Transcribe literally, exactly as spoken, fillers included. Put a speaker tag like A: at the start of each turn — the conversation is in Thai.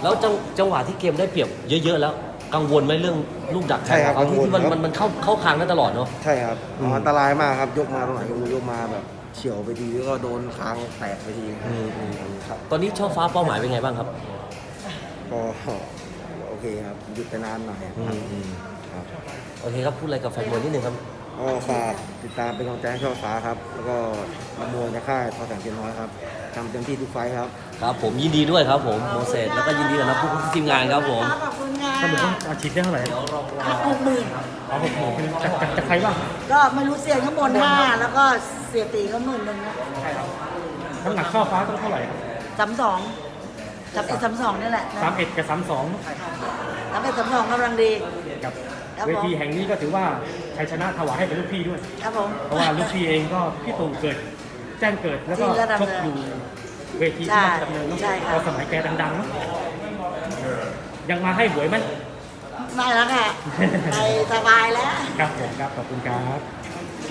A: แล้วจังจังหวะที่เกมได้เปรียบเยอะๆแล้วกังวลไหมเรื่องลูกดักแท
B: ใช่
A: ง
B: ครับ
A: ของเขาที่
B: กังวล
A: ที่มัน
B: ครับ
A: มันมันเข้าเข้าคางได้ตลอดเนาะ
B: ใช่ครับ
A: อืม
B: อันตรายมากครับยกมาตรงไหนก็ไม่รู้ยกมาแบบเฉียวไปทีแล้วก็โดนคางแตกไปที
A: อืมอืมอืมครับตอนนี้ช่อฟ้าเป้าหมายเป็นไงบ้างครับ
B: ก็โอเคครับหยุดไปนานหน่อยครับ
A: อืมอืม
B: ครับ
A: โอเคครับพูดอะไรกับแฟนมวยนิดนึงครับ
B: ก็ฝากติดตามเป็นกำลังใจให้ช่อฟ้าครับ แล้วก็นักมวยในค่ายทอแสงเทียนน้อยครับทำเต็มที่ทุกไฟท์ครับ
A: ครับผมยินดีด้วยครับผมโมเสสแล้วก็ยินดีกับนักผู้ทีมงานครับผม
C: ขอบคุณค่ะ
D: สรุปว่าอาชีพได้เท่าไหร่
C: หกหมื่น
D: เอาหกหมื่นเป็นจากจากจากใครบ้าง
C: ก็ไม่รู้เสียข้างบนห้าแล้วก็เสียตีก็หมื่นหนึ่งนะ
D: น้ำหนักช่อฟ้าต้องเท่าไหร่ครับ
C: สามสองสามเอ็ดสามสองนี่แหละนะ
D: สามเอ็ดกับสามสอง
C: สามเอ็ดสามสองกำลังดี
D: กับ
C: ครับผม
D: เวทีแห่งนี้ก็ถือว่าชัยชนะถวายให้เป็นลูกพี่ด้วย
C: ครับผม
D: เพราะว่าลูกพี่เองก็พี่ตู่เกิดแจ้งเกิดแล้วก็
C: ที่ระดับ
D: ชกอยู่เวที
C: ใช่
D: ที่ราชดำเนินเนอะ
C: ใช่ครับ
D: พอสมัยแกดังๆเนอะยังมาให้หวยไหม
C: ไม่แล้วค่ะ ไปสบายแล้ว
D: ครับผมครับขอบคุณครับ